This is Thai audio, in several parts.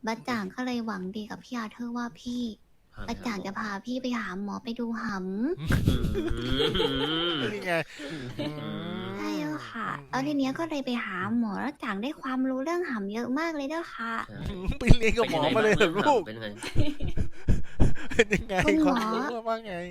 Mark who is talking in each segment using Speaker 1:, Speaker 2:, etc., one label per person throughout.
Speaker 1: บัจจ่างก็เลยหวังดีกับพี่อาเธอร์ว่าพี่บัจจ่างจะพาพี่ไปหาหมอไปดูห
Speaker 2: นี่ไง
Speaker 1: ำใช่แล้วค่ะแล้วทีเนี้ยก็เลยไปหาหมอแล้วจ่างได้ความรู้เรื่องหำเยอะมากเลยเด้อค่ะ
Speaker 2: ไปเรียนกับหมอมาเลยเหรอลูก
Speaker 3: เป็นไง
Speaker 2: เป็นยังไง
Speaker 1: คุณหมอ
Speaker 2: ความรู้ว่าไง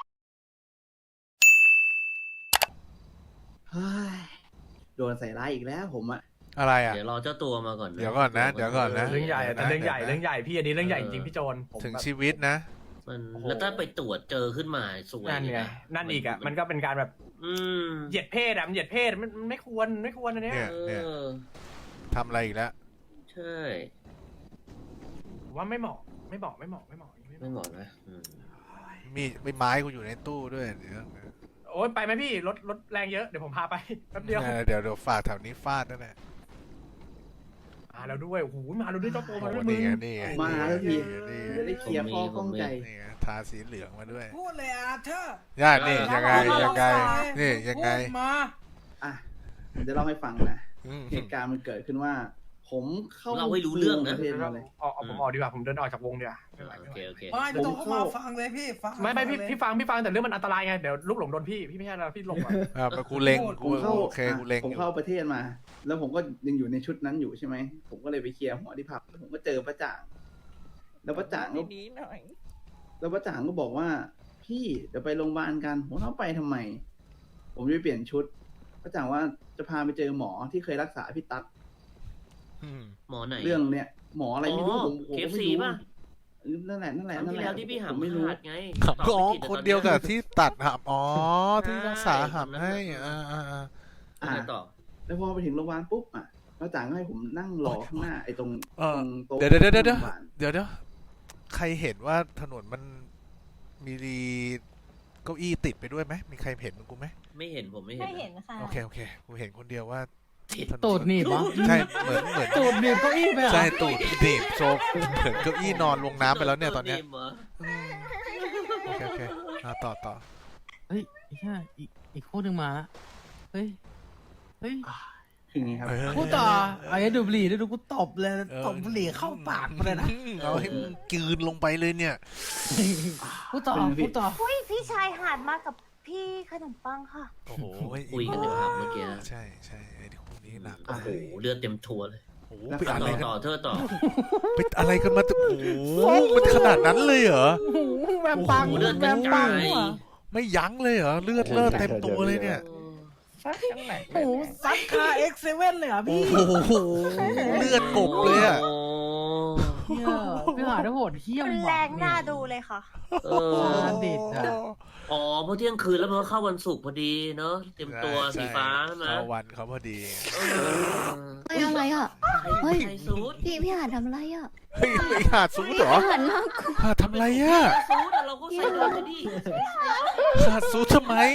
Speaker 4: เฮ้ยโดนใส่ร้ายอีกแล้วผมอะ
Speaker 2: อะไรอ่ะ
Speaker 3: เดี๋ยวรอเจ้าตัวมาก่อน
Speaker 2: เดี๋ยวก่อนนะเดี๋ยวก่อนนะ
Speaker 5: เรื่องใหญ่แต่เรื่องใหญ่เรื่องใหญ่พี่อันนี้เรื่องใหญ่จริงพี่โจนผม
Speaker 2: ถึง
Speaker 5: แบบ
Speaker 2: ชีวิตนะ
Speaker 3: มันแล้วถ้าไปตรวจเจอขึ้นมาสวย
Speaker 5: นั่นไงนั่นอีกอ่ะมันก็เป็นการแบบ
Speaker 3: อืม
Speaker 5: เหยียดเพศอ่ะมันเหยียดเพศมันไม่ควรอันเนี้ย
Speaker 2: เนี่ย ทำอะไรอีกแล้ว
Speaker 3: ใช่
Speaker 5: ผมว่าไม่เหมาะอย่างนี้
Speaker 3: ไม่เหมาะนะอืม
Speaker 2: มีไม้กูอยู่ในตู้ด้วยเดี๋ยว
Speaker 5: โอ้ยไปไหมพี่รถแรงเยอะเดี๋ยวผมพาไปแป๊บเดียว
Speaker 2: เดี๋ยวฝากแถวนี้ฟาดนั่นแหละ
Speaker 5: มาแล้วด้วยโอ้โหมาแล้วด้วยเจ้าตัวมาด้วย
Speaker 2: นี่
Speaker 5: มึง
Speaker 2: ไงนี่ไง
Speaker 4: มาแล้วพี่
Speaker 2: นี่
Speaker 4: จะได้เคลียร์ข้อข้องใจ
Speaker 2: นี่ไงทาสีเหลืองมาด้วย
Speaker 6: พูดเลยอาเธอร์
Speaker 2: ย่านี่ยังไงนี่ยังไง
Speaker 6: พูดมา
Speaker 4: อ่ะผมจะเล่าให้ฟังนะ
Speaker 2: อืม
Speaker 4: เหตุการณ์มันเกิดขึ้นว่า ผมเข้า
Speaker 3: เราไม่รู้เรื่องนะ
Speaker 4: ประเทศมาเลย
Speaker 5: เอาผมออกดีกว่าผมเดินออกจากวงดีกว่าไม่ไหว
Speaker 3: โอ
Speaker 5: ไม่ไห
Speaker 3: เคว โอเค
Speaker 6: ไม่ต้องเข้ามาฟังเลยพี่ฟัง
Speaker 5: ไม่พี่
Speaker 6: เลย
Speaker 5: พี่ฟังแต่เรื่องมันอันตรายไงเดี๋ยวลูกหลงโดนพี่ไม่ใช่นะพี่ลงก่อน
Speaker 2: กูเล็ง
Speaker 4: ผ
Speaker 2: กู
Speaker 4: มเข้า
Speaker 2: โอเคกูเล็ง
Speaker 4: ผม
Speaker 2: อยู่
Speaker 4: เข้าประเทศมา แล้วผมก็ยังอยู่ในชุดนั้นอยู่ใช่ไหมผมก็เลยไปเคลียร์หัวที่ผับแล้วผมก็เจอป้าจ่างแล้วป้าจ่างก็
Speaker 6: ดีๆหน่อย
Speaker 4: แล้วป้าจ่างก็บอกว่า พี่เดี๋ยวไปโรงพยาบาลกันผมต้องไปทำไม ผมจะไปเปลี่ยนชุดป้าจ่างว่าจะพาไปเจอหมอที่เคยรักษาพี่ตั๊ก
Speaker 2: อืม
Speaker 3: หมอไหน
Speaker 4: เรื่องเนี้ยหมออะไรไม่รู้ผมก็
Speaker 3: KFC
Speaker 4: ไม่รู้
Speaker 3: ป่ะ
Speaker 4: นั่นแหละ
Speaker 3: ครั้งที่แล้วที่พี่
Speaker 4: ผ
Speaker 3: หาม
Speaker 4: ไม่รู้
Speaker 3: ขาดไง
Speaker 2: อ๋อคนเดียวกับที่ตัดหับอ๋อที่รักษาหับให้อ่า
Speaker 3: ยังไงต่อ
Speaker 4: แล้วพอไปถึงโรงพยาบาลปุ๊บอ่ะป้าจ่างก็ให้ผมนั่งรอข้างหน้าไอ้ตรงตรงโต๊ะ
Speaker 2: เดี๋ยวใครเห็นว่าถนนมันมีเก้าอี้ติดไปด้วยไหมมีใครเห็นมันกูไหม
Speaker 3: ไม่เห็นผมไม่เห็น
Speaker 7: ไม่เห็นค่ะ
Speaker 2: โอเคกูเห็นคนเดียวว่า
Speaker 6: ตูดหนีบวะ
Speaker 2: ใช่เหมือน
Speaker 6: ตูดหนีบเก้าอี้ไปเหรอ
Speaker 2: ใช่ตูดหนีบโซฟเหมือนเก้าอี้นอนลงน้ำไปแล้วเนี่ยตอนเนี้ย
Speaker 3: เหรอ
Speaker 2: โอเคต่อ
Speaker 6: เฮ้ยใช่อีกคู่หนึ่งมาละเฮ้ย
Speaker 4: คืออย่างนี้ครับ
Speaker 6: พูดต่อไอ้ดูบุหรี่ดูกูตบเลยตบบุหรี่เข้าปากไปเลยนะ
Speaker 2: เอาให้มึงกลืนลงไปเลยเนี่ย
Speaker 6: พูดต่อ
Speaker 7: อุ้ยพี่ชายหาดมากับพี่ขนมปังค่ะ
Speaker 2: โอ้โห
Speaker 3: คุยกันในผับเมื่อกี้
Speaker 2: ใช่ไอ้คู่นี้หนัก
Speaker 3: โอ้โหเลือดเต็มทัวเลย
Speaker 2: โอ้โหไปอะไรกัน
Speaker 3: ต่อเธอต่อ
Speaker 2: ไปอะไรกันมาโอ้โหมันขนาดนั้นเลยเหรอ
Speaker 6: แวมปัง
Speaker 3: เลือดกระจาย
Speaker 2: ไม่ยั้งเลยเหรอเลือดเต็มตัวเลยเนี่ย
Speaker 6: ซัดกันไหนโอ้โหซัดคาX7เลยเหรอ
Speaker 2: โอ้
Speaker 6: พี่
Speaker 2: โหเลือดกบเลยอ่ะ
Speaker 3: โอ้
Speaker 6: เหี้ยพี่หาได้โหดเหี้ยม
Speaker 7: รุนแรงน่าดูเลยค่ะ
Speaker 3: เอ
Speaker 6: ซา
Speaker 3: อ
Speaker 6: ดิสอ่ะ
Speaker 3: อ๋อเพราะเที่ยงคืนแล้วมันก็เข้าวันศุกร์พอดีเนาะเตรียมตัวสีฟ้าใช่ไหม
Speaker 2: เข้าวันเขาพอดี
Speaker 3: เออ
Speaker 1: เฮ้ยอะไรอ่ะ เฮ้ย
Speaker 3: ใครซูด
Speaker 1: พี่หาดทำอะไรอ่ะ
Speaker 2: เฮ้ยไปหาดซูดเหรอ
Speaker 1: หาดมากกว่า
Speaker 2: หาดทำอะไรอ่ะ
Speaker 3: ซูดอะเราก็ใส่เลยดิ
Speaker 2: หาดซูดทำไม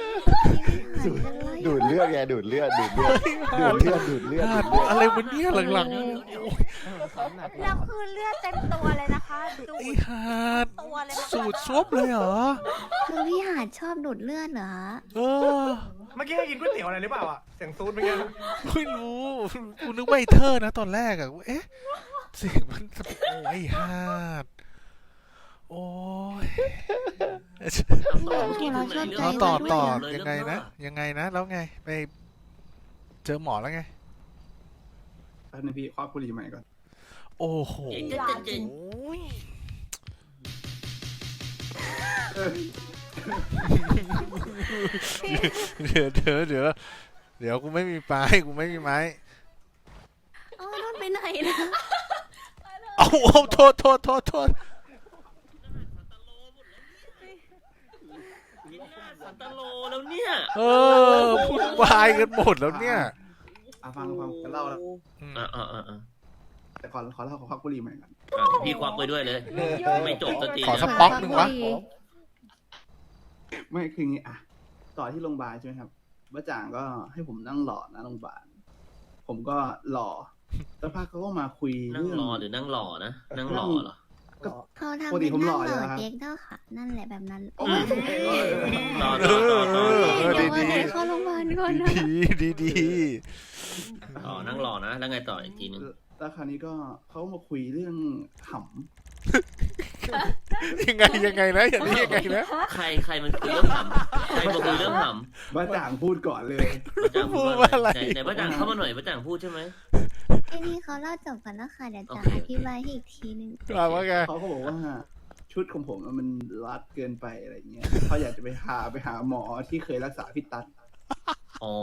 Speaker 1: ดู
Speaker 8: ดูดเลือดไงดูดเลือดดูดเลือดดูดเลือด
Speaker 2: หาดอะไรวะเนี่ยหลัง
Speaker 7: แล้วคือเลือดเต็มตัวเลยนะคะดู
Speaker 2: ๆไอ้หาด
Speaker 7: ตัวเลยนะคะ
Speaker 2: สูดซบเลยเหรอ
Speaker 1: คือพี่หาดชอบดูดเลือดเหรอ
Speaker 2: เออ
Speaker 5: เมื่อกี้ให้กินก๋วยเตี๋ยวอะไรหรือเปล่าอ่ะเสียงซูดเมื่อกี้
Speaker 2: ไม่รู้กูนึกว่าไอ้เธอนะตอนแรกอะเอ๊ะเสียงมันโอ้ยไอ้หาดโอ้ย
Speaker 3: ต่อเมื่อกี้ถึงไหนเรื่
Speaker 2: เอา
Speaker 3: ง
Speaker 2: ต่อ
Speaker 3: เลย
Speaker 2: ต่อ
Speaker 3: เลย
Speaker 2: ยังไงนะ แล้วไงไปเจอหมอแล้วไง
Speaker 4: แป๊บนึงพี่ควักบุหรี่ใหม่ก่อน
Speaker 2: โอ้โห
Speaker 3: เจ๋ง
Speaker 2: โอ้ยเดี๋ยวกูไม่มีไม้
Speaker 1: อ๋อโดนไปไหนนะ
Speaker 2: เอาโทษ
Speaker 3: สันตโลแล้วเนี่ย
Speaker 2: เออพูดวายกันหมดแล้วเนี่ย
Speaker 4: ฟังจะเล่าแล้ว
Speaker 3: อ่า
Speaker 4: แต่ขอเล่าขอควักบุหรี่ใหม่ก่อน
Speaker 3: พี่ควักไปด้วยเลย ไม่จบสักที
Speaker 2: ขอสักป๊อกหนึ่งวะ
Speaker 4: ไม่คืออย่างงี้อ่ะต่อที่โรงพยาบาลใช่ไหมครับป้าจ่างก็ให้ผมนั่งรอนะโรงพยาบาลผมก็รอแล้วพักเขาก็มาคุย
Speaker 3: นั่ง
Speaker 4: เรื่อง
Speaker 3: รอหรือนั่งหล่อนะ นั่งหล่อเหรอ
Speaker 1: เขาทำ
Speaker 4: ปกติ
Speaker 1: เป็น
Speaker 4: ผมหล่
Speaker 1: นั่
Speaker 4: อง อยู่
Speaker 1: หล่อ
Speaker 4: แล้วครับ
Speaker 1: เจ๊กเด้อค่ะ นั่นแหละแบบนั้น
Speaker 4: โอ้ย
Speaker 3: ต่อ
Speaker 1: เดี๋ยววันไหนเข้าโรงพยาบาลก่อนนะ
Speaker 2: ดี
Speaker 3: ต่อนั่งหล่อนะ แล้วไงต่ออีกทีนึง
Speaker 4: แแล้วคราวนี้ก็เขามาคุยเรื่องห
Speaker 2: ยังไงนะอย่างนี้ยังไงนะ
Speaker 3: ใครมันคุยเรื่องหำใครมาคุยเรื่องหำ
Speaker 4: ำบ้าจ่างพูดก่อนเลย
Speaker 3: ป้าจ่างพูดว่าอะไรไหนป้าจ่างเข้ามาหน่อยป้าจ่างพูดใช่ไหม
Speaker 1: ไอ้นี่เขาเล่าจบกันแล้วค่ะเดี๋ยวจะ
Speaker 3: โอเค
Speaker 1: อธิบายให้อีกทีนึง
Speaker 2: ว่าไง
Speaker 4: เขาก็บอกว่าชุดของผมมันรัดเกินไปอะไรเงี้ยเขาอยากจะไปหาหมอที่เคยรักษาพี่ตั๊ด
Speaker 3: อ๋อ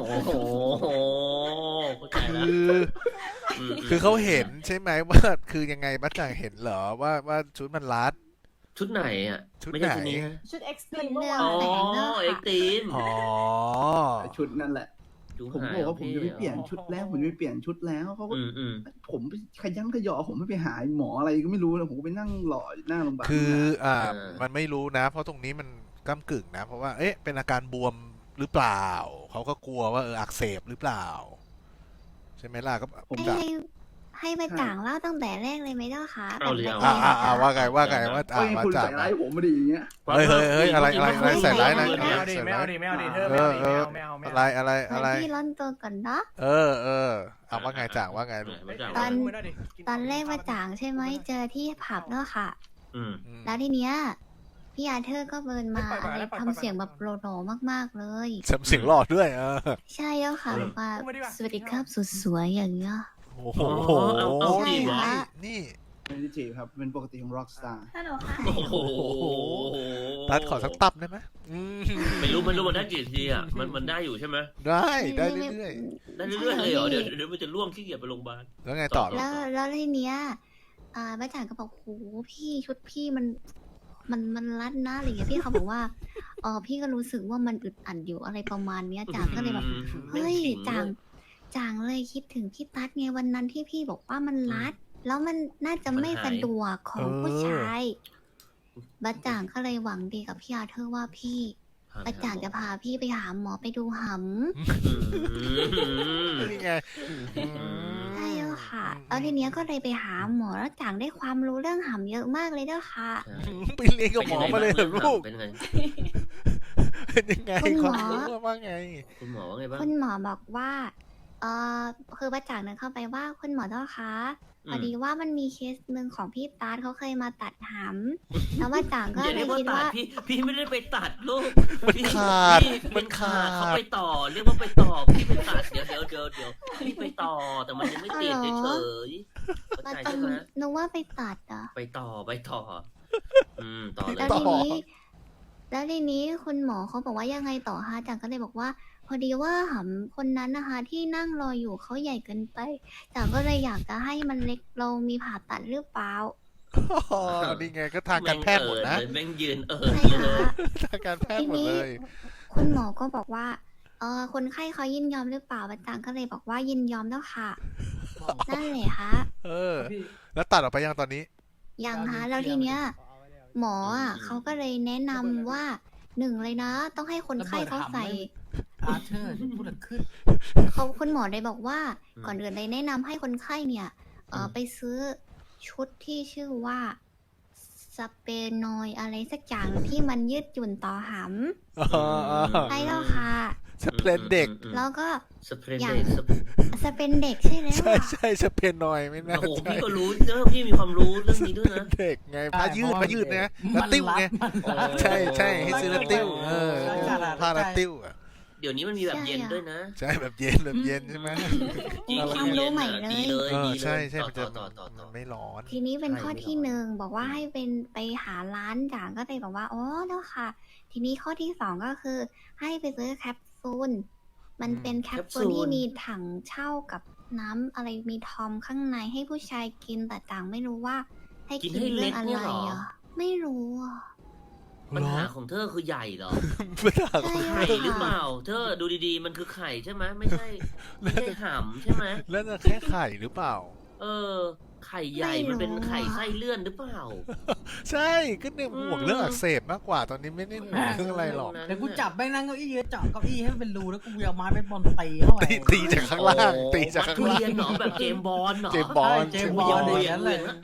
Speaker 3: เข้าใจแล้ว
Speaker 2: คือเขาเห็นใช่ไหมว่าคือยังไงบ้าจ่างเห็นเหรอว่าชุดมันรัด
Speaker 3: ชุดไหนอ่ะ
Speaker 2: ชุด
Speaker 3: ไม่
Speaker 2: ไหน
Speaker 3: ใช่ชุดนี้ฮะ
Speaker 7: ชุดเอ็กซ์ตรี
Speaker 1: มัน
Speaker 7: มเมื่อ
Speaker 1: เรื่อ
Speaker 7: วาง น
Speaker 3: อ๋อ
Speaker 1: แต่งเนอะ
Speaker 3: เอ็ก
Speaker 1: ค่ะ
Speaker 3: ตีม
Speaker 2: อ๋อ
Speaker 4: ชุดนั่นแหละ ผมบอกว่าผมจะไปเปลี่ยนชุดแล้วผมจะไปเปลี่ยนชุดแล้วเขาก็ ผมขยันขยอผมไม่ไปหาหมออะไรก็ไม่รู้นะผมก็ไปนั่งรออยู่หน้าโรงพยาบาล
Speaker 2: คือมันไม่รู้นะ เพราะตรงนี้มันก้ำกึ่งนะ เพราะว่าเอ๊ะเป็นอาการบวมหรือเปล่าเขาก็กลัวว่าอักเสบหรือเปล่า ใช่ไหมล่ะก็ผมจะ
Speaker 1: ให้มาจ่างเล่าตั้งแต่แรกเลยไหมเจ้าคะ
Speaker 3: เอาเลย
Speaker 1: แบบ
Speaker 3: เอา
Speaker 1: ละเอียด
Speaker 2: ว่าไงว่า
Speaker 4: ก็
Speaker 2: ว่า
Speaker 4: คุณ
Speaker 2: จ่า
Speaker 4: ใส่ร้ายผมไม่ดีอย่างเงี้ย
Speaker 2: เฮ้ยอะไรใส่ร้ายนะ
Speaker 5: ไม่เอาดิไม่เอาดิไม่เอาดิเธอไม่เอาไม่เอา
Speaker 2: อะไร
Speaker 1: พี่ร้อนตัวก่อนเนาะ
Speaker 2: เออว่าไงจ่างว่าไงลูก
Speaker 1: ตอนแรกมาจ่างใช่ไหมเจอที่ผับเนาะค่ะ แล้วทีเนี้ยพี่อาเธอร์ก็เบิร์นมาอะไรทำเสียงแบบโลมากๆเลย
Speaker 2: เสียงหลอดด้วย
Speaker 1: ใช่แล้วค่ะแบบว่าสวัสดีครับสุดสวยอย่างเงี้ย
Speaker 2: โอ้โห
Speaker 3: เอาจีบเหรอ
Speaker 2: นี่
Speaker 4: ไม่ได้จีบครับเป็นปกติของร็อกสตาร์
Speaker 7: ฮัลโหลค่ะ
Speaker 3: โอ้โห
Speaker 2: ตัดขอสักตับได้ไหม
Speaker 3: ไม่รู้มันได้กี่ทีอ่ะมันได้อยู่ใช่ไหม
Speaker 2: ได้เรื่อย
Speaker 3: ได้เรื่อยๆเลยเหรอเดี๋ยวมันจะล่วงขี้เกียจไปโรงพยาบาล
Speaker 2: ๆแล้วไงต่อ
Speaker 1: แล้วทีเนี้ยแม่จ่างก็บอกโหพี่ชุดพี่มันรัดนะอะไรอย่างเงี้ยพี่เขาบอกว่าพี่ก็รู้สึกว่ามันอึดอัดอยู่อะไรประมาณเนี้ยจ่างก็เลยแบบเฮ้ยจ่างเลยคิดถึงพี่ตั๊ดไงวันนั้นที่พี่บอกว่ามันรัด แล้วมันน่าจะไม่สะดวกของผู้ชายบัจจ่างก็เลยหวังดีกับพี่อาเธอร์ว่าพี่บัจจ่างจะพาพี่ไปหาหมอไปดูหำ
Speaker 2: นี่ไง
Speaker 1: ใช่แล้วค่ะแล้วทีเนี้ยก็เลยไปหาหมอแล้วจ่างได้ความรู้เรื่องหำเยอะมากเลยเด้อค่ะ
Speaker 2: ไปเรียนกับหมอมาเลยเหรอลูก
Speaker 3: เป็นไง
Speaker 2: เป็นยังไงความรู้ว่าไง
Speaker 3: คุณหมอว่าไงบ้าง
Speaker 1: คุณหมอบอกว่าคือบัจจ่างเดินเข้าไปว่าคุณหมอเจ้าคะพอดีว่ามันมีเคสหนึ่งของพี่ตาร์ทเขาเคยมาตัดหำแล้วบัจจ่างก็
Speaker 3: อย่า
Speaker 1: เล
Speaker 3: เรีย
Speaker 1: ย
Speaker 3: กว่า
Speaker 1: คิด
Speaker 3: ตัด
Speaker 1: ว่า
Speaker 3: พี่ไม่ได้ไปตัดลูก
Speaker 2: มันขาด
Speaker 3: มันขาดเขาไปต่อเรียกว่าไปต่อพี่ไปตัดเดี๋ยวพี่ไปต่อแต่มันยังไม่ติดเฉยๆ
Speaker 1: มัน
Speaker 3: เข้าใจ
Speaker 1: ต้อง
Speaker 3: ใช่ไหม
Speaker 1: นึกว่าไปตัดอ่ะ
Speaker 3: ไปต่อต่อเล
Speaker 1: แล้
Speaker 3: ยว
Speaker 1: ทีนี้คุณหมอเขาบอกว่ายังไงต่อฮะจังก็เลยบอกว่า พอดีว่าหำคนนั้นนะคะ ที่นั่งรออยู่เขาใหญ่เกินไปจังก็เลยอยากจะให้มันเล็กลงมีผ่าตัดหรือเปล่า
Speaker 2: นี่ไงก็ทางการแพทย์หมดนะ
Speaker 3: แม่งยืน
Speaker 1: ใช่
Speaker 3: เลย
Speaker 1: ค่ะ
Speaker 2: ทางการแพทย์หมดเลย
Speaker 1: คุณหมอก็บอกว่าคนไข้เขายินยอมหรือเปล่าบัจจังก็เลยบอกว่ายินยอมแล้วค่ะ นั่นแหละฮะ
Speaker 2: แล้วตัดออกไปยังตอนนี้
Speaker 1: ยังฮะแล้วทีเนี้ย หมออ่ะเขาก็เลยแนะนำว่าหนึ่งเลยนะ ต้องให้คนไข้เขาใส่
Speaker 6: อาเธอร์พูดขึ้น
Speaker 1: คุณหมอเลยบอกว่าก่อนอื่นเลยแนะนำให้คนไข้เนี่ยไปซื้อชุดที่ชื่อว่าสเปนอยอะไรสักอย่างที่มันยืดหยุ่นต่อหำใช่แล้วค่ะ
Speaker 2: สเปนเด็ก
Speaker 1: แล้วก็
Speaker 3: สเปรย์
Speaker 1: อย่าง
Speaker 3: เด็ก
Speaker 1: สเปนเด็กใช่แล้ว
Speaker 2: ใช่สเปนหน่อยไม่น่า
Speaker 3: โอ้โห
Speaker 2: ใช่
Speaker 3: พี่ก็รู้เนอะพี่มีความรู้เรื่องนี้ด้วยนะ
Speaker 2: เด็กไงผ้ายืดนะแล้วติ้วไงใช่ให้ซื้อแล้วติ้วผ้าแล้วติ้วอ่ะ
Speaker 3: เดี๋ยวนี้มันมีแบบเย็นด้วยนะ
Speaker 2: ใช่แบบเย็นใช่ไหม
Speaker 3: จริง
Speaker 1: ความรู้ใหม่เลย
Speaker 3: ดีเลย
Speaker 2: ใช่มันจะ
Speaker 3: ต่อ
Speaker 2: ไม่ร้อน
Speaker 1: ทีนี้เป็นข้อที่หนึ่งบอกว่าให้เป็นไปหาร้านจ่างก็เลยบอกว่าอ๋อแล้วค่ะ ทีนี้ข้อที่สองก็คือ ให้ไปซื้อแคปซูลมันเป็นแคปซูลที่มีถังเช่ากับน้ำอะไรมีทอมข้างในให้ผู้ชายกินแต่จ่างไม่รู้ว่า ให้กินเรื่องอะไรอ่ะไม่รู้อ่ะ
Speaker 3: ปัญหาของเธอคือใหญ่เหรอ
Speaker 2: ปัญหา
Speaker 1: ใช่
Speaker 3: ไข่
Speaker 1: ค่ะ
Speaker 3: หรือเปล่า เธอดูดีๆมันคือไข่ใช่ไหมไม่ใช่หำใช่ไหม
Speaker 2: แล้วจะแค่ไข่หรือเปล่า
Speaker 3: ไข่ใหญ่มันเป็นไข่ไส้เลื่อนหรือเปล่า
Speaker 2: ใช่ก็เนี่ยห่วงเรื่องอักเสบมากกว่าตอนนี้ไม่ได้ห่วงเรื่องอะไรหรอก
Speaker 6: เดี๋ยวกูจับแม่งนั่งเก้าอี้เจาะเก้าอี้ให้มันเป็นรูแล้วกูเอาไม้เป็นบอลตีเข้าไป
Speaker 2: ตีจากข้างล่างตีจากข้างล่าง
Speaker 3: เรียนเหรอแบบเจมบอลเหรอ
Speaker 2: เจมบอล
Speaker 6: เจมบอล
Speaker 3: เห
Speaker 6: เล
Speaker 3: วี่
Speaker 6: ย
Speaker 3: ยง
Speaker 6: นั่น
Speaker 3: เห
Speaker 6: เล
Speaker 3: วี่ย
Speaker 6: ย
Speaker 3: งแล้วอัด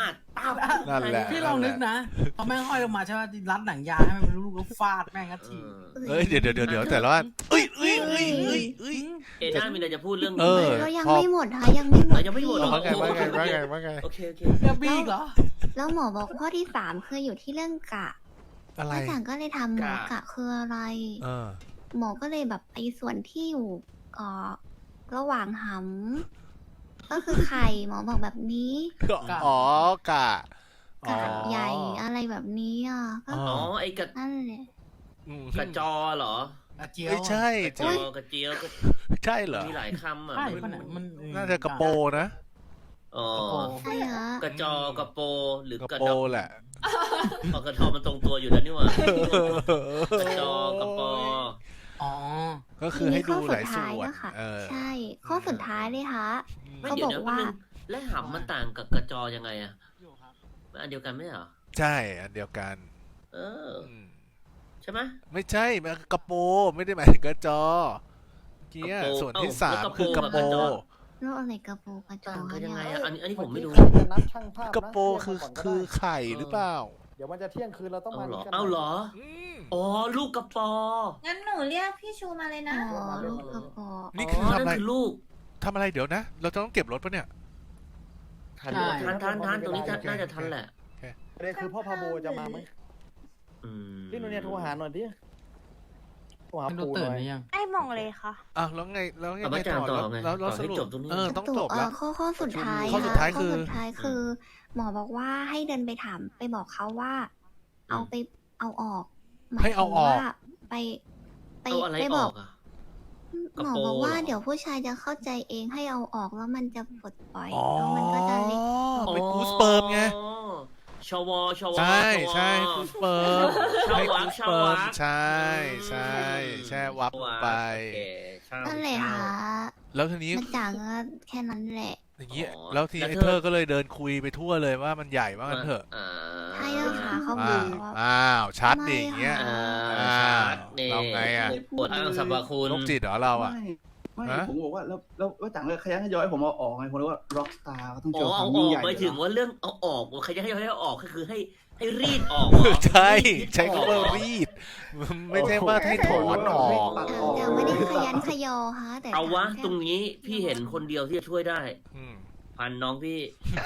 Speaker 2: นั่นแหละ
Speaker 6: พี่ลองนึกนะพอแม่งห้อยลงมาใช่ไหมรัดหนังยางให้มันเป็นลูกแล้วฟาดแม่งก็ที
Speaker 2: เอ้ยเดี๋ยวแต่ละว่าเอ้ย
Speaker 3: เอ็น่ามีอะไรจะพูดเรื่อง
Speaker 2: เอ
Speaker 3: นี้
Speaker 2: อ
Speaker 3: ไหม
Speaker 1: เรายังไม่หมดค่ะยังไม่หมด
Speaker 3: ยังไม่หมดหรอ
Speaker 2: ว่าไง
Speaker 3: โอเค
Speaker 6: จะบี้อีกเหรอ
Speaker 1: แล้วหมอบอกข้อที่สามคืออยู่ที่เรื่องกะ
Speaker 2: อะไร
Speaker 1: อาจารย์ก็เลยทำหมอกะคืออะไร
Speaker 2: เออ
Speaker 1: หมอก็เลยแบบไอ้ส่วนที่อยู่ระหว่างหำก็คือไข่หมอบอกแบบนี้
Speaker 2: อ๋อกะ
Speaker 1: กะใหญ่อะไรแบบนี้อ่ะก็
Speaker 2: อ๋
Speaker 3: อ๋อไอ้กระ
Speaker 1: นั่นแหละ
Speaker 3: กระจอเหรอ
Speaker 6: อาเจียว
Speaker 2: ไม่ใช่
Speaker 3: กระจอกระเจียวก็
Speaker 2: ใช่เหรอ
Speaker 3: มีหลายคำอ่ะ
Speaker 6: ใช่ปะเนี่ยมัน
Speaker 2: น่าจะกระโปรนะ
Speaker 3: อ๋อ
Speaker 1: ใช่เหรอก
Speaker 3: ระจอกระโปหรือก
Speaker 2: ระ
Speaker 3: ระ
Speaker 2: โปร
Speaker 3: ดอ
Speaker 2: แหละ
Speaker 3: อ๋อกระทอมันตรงตัวอยู่แล้วนี่หว่ากระจอกระปอ
Speaker 6: อ๋อ
Speaker 2: ก็คือให้ดูหลายส่
Speaker 1: ทีนี้ข้อสุดท้าย
Speaker 2: วน
Speaker 1: ก็ค่ะ
Speaker 2: เออ
Speaker 1: ใช่ ข้อสุดท้ายเลยค่ะ
Speaker 3: ไม่
Speaker 1: เขา
Speaker 3: เดี๋ย
Speaker 1: บ
Speaker 3: ว
Speaker 1: อก
Speaker 3: เดี๋ยว
Speaker 1: ว่า
Speaker 3: นึงและหำมันต่างกับกระจอยังไงอ่ะมันอันเดียวกันไหมเหรอ
Speaker 2: ใช่อันเดียวกัน
Speaker 3: เออ
Speaker 2: อืม
Speaker 3: ใช่ไหม
Speaker 2: ไม่ใช่มันกระโปรไม่ได้หมายถึงกระจอเกี้ย
Speaker 3: กระโปร
Speaker 2: ส่วนที่
Speaker 3: เอ้า
Speaker 2: สาม
Speaker 3: แล้วกระโปร
Speaker 2: คือกระโปร
Speaker 3: กับกระจอ
Speaker 1: แล้วอะไรกระโปรงกระจอ
Speaker 3: ต่างกันยังไง
Speaker 1: เนี่ย
Speaker 3: อ่ะอันนี้ผมไม่รู้
Speaker 8: เอกี้จะนัดช่างภาพนะ
Speaker 2: กระโปรคือไข่หรือเปล่า
Speaker 8: เดี๋ยวมันจะเที่ยงคืนเราต้อง
Speaker 3: เอา
Speaker 8: มา
Speaker 3: เหรอ
Speaker 8: กัน
Speaker 3: เอาเหรอ
Speaker 2: อืม
Speaker 3: อ๋อลูกกระปอ
Speaker 7: งั้นหนูเรียกพี่ชูมาเลยนะ
Speaker 1: อ๋อลูกกระโปรง
Speaker 2: นี่คือทำอะไร
Speaker 3: นั่นคือลูก
Speaker 2: ทำอะไรเดี๋ยวนะ เราจะต้องเก็บรถปะเนี่ย
Speaker 3: ทัน
Speaker 6: ใช่
Speaker 3: ทันตรงนี้น่าจะทันแหละ
Speaker 8: ประเด็นคือพ่อพาโบจะมาไหม
Speaker 3: อืม
Speaker 8: พี่นุ่นเนี่ยโทรหาหน่อยดิโทรหา
Speaker 6: มันดู
Speaker 8: ปู่ห
Speaker 6: ตื่น
Speaker 8: น่อย
Speaker 6: หรือยัง
Speaker 7: ไอ้มองเลยค่ะ
Speaker 2: อ้าวแล้วไงไม่
Speaker 3: อาจารย์
Speaker 2: ต่อ
Speaker 3: ต่อไง
Speaker 2: แล้ว
Speaker 3: ต่อ
Speaker 2: ส
Speaker 3: ให้
Speaker 2: รุป
Speaker 3: จบตรงนี้
Speaker 2: ต้องจบแล้ว
Speaker 1: ข้อสุดท้าย
Speaker 2: ข้อสุดท้ายคือ
Speaker 1: ข้อสุดท้ายคือ หมอบอกว่าให้เดินไปถามไปบอกเขาว่า เอาไปเอาออกมย
Speaker 2: ให้เอาออก
Speaker 1: ถึงว่าไป
Speaker 3: เอาอะไร
Speaker 1: ไป
Speaker 3: อบ
Speaker 1: อ
Speaker 3: อก กอ่ะ กระ
Speaker 1: หมอ
Speaker 3: โปรง
Speaker 1: บอกว่า
Speaker 3: เหรอ
Speaker 1: เดี๋ยวผู้ชายจะเข้าใจเองให้เอาออกแล้วมันจะปลดปล่อย
Speaker 2: อ๋อ
Speaker 1: แล้วมันก็จะเล็ก
Speaker 2: เป็นกูสเปิร์มไง
Speaker 3: ชวชว
Speaker 2: ใช่ใช่กูสเปิร์ม
Speaker 3: ชาว
Speaker 2: ให้
Speaker 3: วั
Speaker 2: กู
Speaker 3: ก
Speaker 2: ส
Speaker 3: ชาว
Speaker 2: เปิร์
Speaker 3: วั
Speaker 2: ม
Speaker 3: ก
Speaker 2: ใช่ใช่แช่วับลงไป
Speaker 3: โอเคชาว
Speaker 1: นั่นแหละค่ะ
Speaker 2: แล้วทีนี้
Speaker 1: มันจางก็แค่นั้นแหละ
Speaker 2: อย่างนี้
Speaker 3: อ๋อ
Speaker 2: แล้วที
Speaker 3: แล้ว
Speaker 2: ไอ้
Speaker 3: เธอ
Speaker 2: เธอก็เลยเดินคุยไปทั่วเลยว่ามันใหญ่ว่างั้นเถอะ
Speaker 1: ใช่แล้วค่ะเขาบ
Speaker 2: อ้า
Speaker 1: อก
Speaker 2: ว
Speaker 1: ว่า
Speaker 2: อ้าวชัดดิอย่างเงี้ย
Speaker 3: อ่า
Speaker 2: อ้าว
Speaker 3: นี่
Speaker 2: เราไงอะ
Speaker 3: ปวดอ้างสรรพคุณ
Speaker 2: โรคจิตเหรอเราอ่ะ
Speaker 4: ไม่
Speaker 2: ฮะ
Speaker 4: ผมบอกว่าแล้วจังเลยขยันขยอยผมเอาออกไงผมเลยว่าร็อกสตาร์ก็ต้อง
Speaker 3: อ๋
Speaker 4: โช
Speaker 3: อ
Speaker 4: ว์ค
Speaker 3: เอา
Speaker 4: วาม
Speaker 3: อ
Speaker 4: ยิ่ง
Speaker 3: อก
Speaker 4: ใหญ่
Speaker 3: หมายถึง
Speaker 4: เหรอ
Speaker 3: ว่าเรื่องเอาออกใครจะให้ออกก็คือให้รีดออกเหรอ
Speaker 2: ใช่
Speaker 3: รีด
Speaker 2: ใช้คำว่ารีด ไม่ใช่ว่าให้ถอนออก
Speaker 1: แต่ไม่ได้ขยันขยอค่ะแต่
Speaker 3: เอาวะ
Speaker 1: แค่
Speaker 3: ตรงนี้พี่เห็นคนเดียวที่จะช่วยได้
Speaker 2: อืม
Speaker 3: พันน้องพี่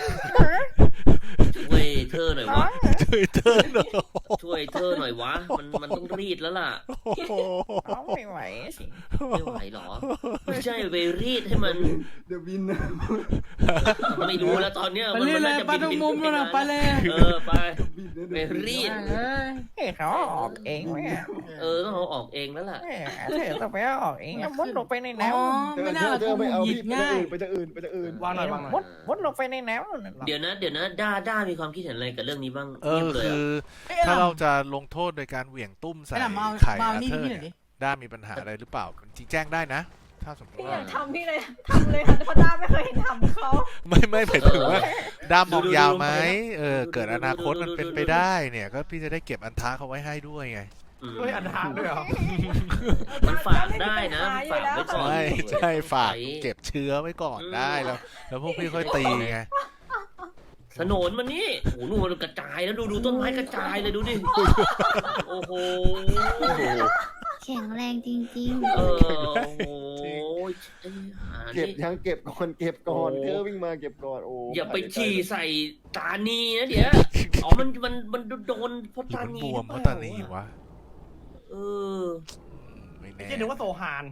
Speaker 3: ช่วยเธอหน่อยวะ
Speaker 2: ช่วยเธอหน่อย
Speaker 3: ช่วยเธอหน่อยวะมันต้องรีดแล้วล่ะ
Speaker 2: โอ้โห
Speaker 8: ไม่ไหวสิ
Speaker 3: ไม่ไหวหรอไม่ใช่ไปรีดให้มัน
Speaker 4: เดี๋ยวบินนะ
Speaker 3: ไม่รู้แล้วตอนเนี้ย
Speaker 6: ไป
Speaker 3: มัน
Speaker 6: เรื่อย
Speaker 3: มัน
Speaker 6: เล
Speaker 3: น่าย จะ
Speaker 6: ไปตรงมุมนู่นน่ะไปเลย
Speaker 3: เออไป
Speaker 4: บินนะ
Speaker 3: ไปรีด
Speaker 6: เอ้ย
Speaker 8: เฮ้ยเขาออกเองไหมอะ
Speaker 3: ต้องเอาออกเองแล้วล่ะ
Speaker 8: แหมเธอต้องไปเอาออกเองอะมุดลงไปใน
Speaker 6: อ๋อ
Speaker 8: น้ำ
Speaker 6: ไม่น่าละกูหยิกง่าย
Speaker 8: ไปจะอื่น
Speaker 5: วางหน่อยวางหน่อย
Speaker 8: มุดลงไปในน้ำนั่นน่ะ
Speaker 3: เดี๋ยวนะด้ามีความคิดเห็นอะไรกับเรื่องนี้บ้าง
Speaker 2: เอ
Speaker 3: เงีย
Speaker 2: อบ
Speaker 3: เลย
Speaker 2: คื
Speaker 3: อะ
Speaker 2: อ ถ้าเราจะลงโทษโดยการเหวี่ยงตุ้มใส่
Speaker 6: ไอ้หน่ะมา
Speaker 2: ไข่
Speaker 6: มา
Speaker 2: อา
Speaker 6: นี่
Speaker 2: เธอร์
Speaker 6: พี่หน่อยดิ
Speaker 2: เนี่ยด้ามีปัญหาอะไรหรือเปล่าจริงแจ้งได้นะ ถ้าสมมติ
Speaker 7: พี่อ
Speaker 2: ว่า
Speaker 7: ยากทำพี่เลยทำเลยค่ะเพราะด้าไม่เคยเห็นทำเขา
Speaker 2: ไม่หมายถึงว่าด้ามองยาวไหมเกิดอนาคตมันเป็นไปได้เนี่ย ก็พี่จะได้เก็บอันท้าเขาไว้ให้ด้วยไง
Speaker 5: เฮ้ยอันทางด้วยเหรอ
Speaker 3: มันฝากได้นะมันฝากไว้ก่อน
Speaker 2: ใช่ฝากเก็บเชื้อไว้ก่อนได้แล้วพวกพี่ค่อยตีไง
Speaker 3: สนนมันนี่โอ้โหนู่นมันกระจายแล้วดูต้นไม้กระจายเลยดูดิโอ้โห
Speaker 1: แข็งแรงจริง
Speaker 3: โอ้โห
Speaker 8: เก็บยังเก็บก่อนเก็บก่อนเธอวิ่งมาเก็บก่อนโอ้
Speaker 3: อย่าไปฉี่ใส่ตานีนะเดี๋ยวอ๋อมันโดนเพราะ
Speaker 2: หรือ
Speaker 3: ตา
Speaker 2: มัน
Speaker 3: นี
Speaker 2: บวมเพราะตานีวะ
Speaker 3: เออ
Speaker 2: ไม่
Speaker 5: ไม่
Speaker 2: แน่
Speaker 5: ใช่นึกว่าโซฮาน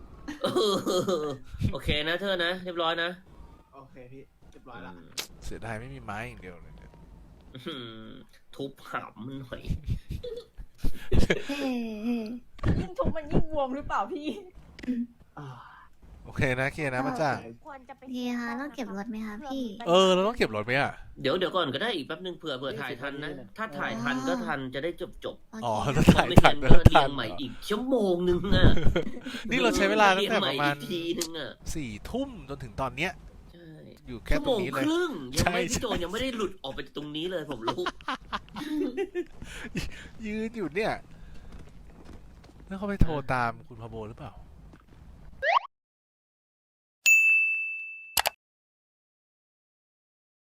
Speaker 3: โอเคนะเธอนะเรียบร้อยนะ
Speaker 4: โอเคพี่เรียบร้อยละ
Speaker 2: เสียดายไม่มีไม้อย่างเดียวเลยเนี่ย
Speaker 3: ทุบหำมันหน่อย
Speaker 1: ๆเฮ้
Speaker 7: ยิ่งทุบมันยิ่งบวมหรือเปล่าพี่
Speaker 2: โอเคนะเคลียร์นะป้าจ้า
Speaker 7: ควรจะเป็น
Speaker 1: พี่คะต้องเก็บรถไหมคะพี่
Speaker 2: เราต้องเก็บรถไหมอ่ะ
Speaker 3: เดี๋ยวก่อนก็ได้อีกแป๊บนึงเผื่อถ่ายทันนะ ถ้าถ่ายทันก็ทันจะได้จบ
Speaker 2: อ๋อ
Speaker 1: โอ
Speaker 2: ถ้า
Speaker 1: เค
Speaker 2: ถ่าย
Speaker 3: ไม่
Speaker 2: ทั
Speaker 3: ทั
Speaker 2: น
Speaker 3: น
Speaker 2: ก็
Speaker 3: ก็เรี
Speaker 2: ทั
Speaker 3: ย
Speaker 2: น
Speaker 3: งใหม่อีกชั่วโมงนึงอ่ะ
Speaker 2: นี่เราใช้เวลาตั้งแต่ประมาณ
Speaker 3: เยงใหอีกทีนึงอ่ะ
Speaker 2: 4 ทุ่มจนถึงตอนเนี้ย
Speaker 3: ใช่
Speaker 2: อยู่แค่
Speaker 3: ชั่ว
Speaker 2: ต
Speaker 3: โม
Speaker 2: รง
Speaker 3: ง
Speaker 2: นี้เล
Speaker 3: ค
Speaker 2: ย
Speaker 3: รึ่งยังไม่
Speaker 2: ใช่
Speaker 3: พี่โจยังไม่ได้หลุดออกไปจากตรงนี้เลยผมรู้
Speaker 2: ยืนอยู่เนี่ย แล้วเขาไปโทรตามคุณพาโบหรือเปล่า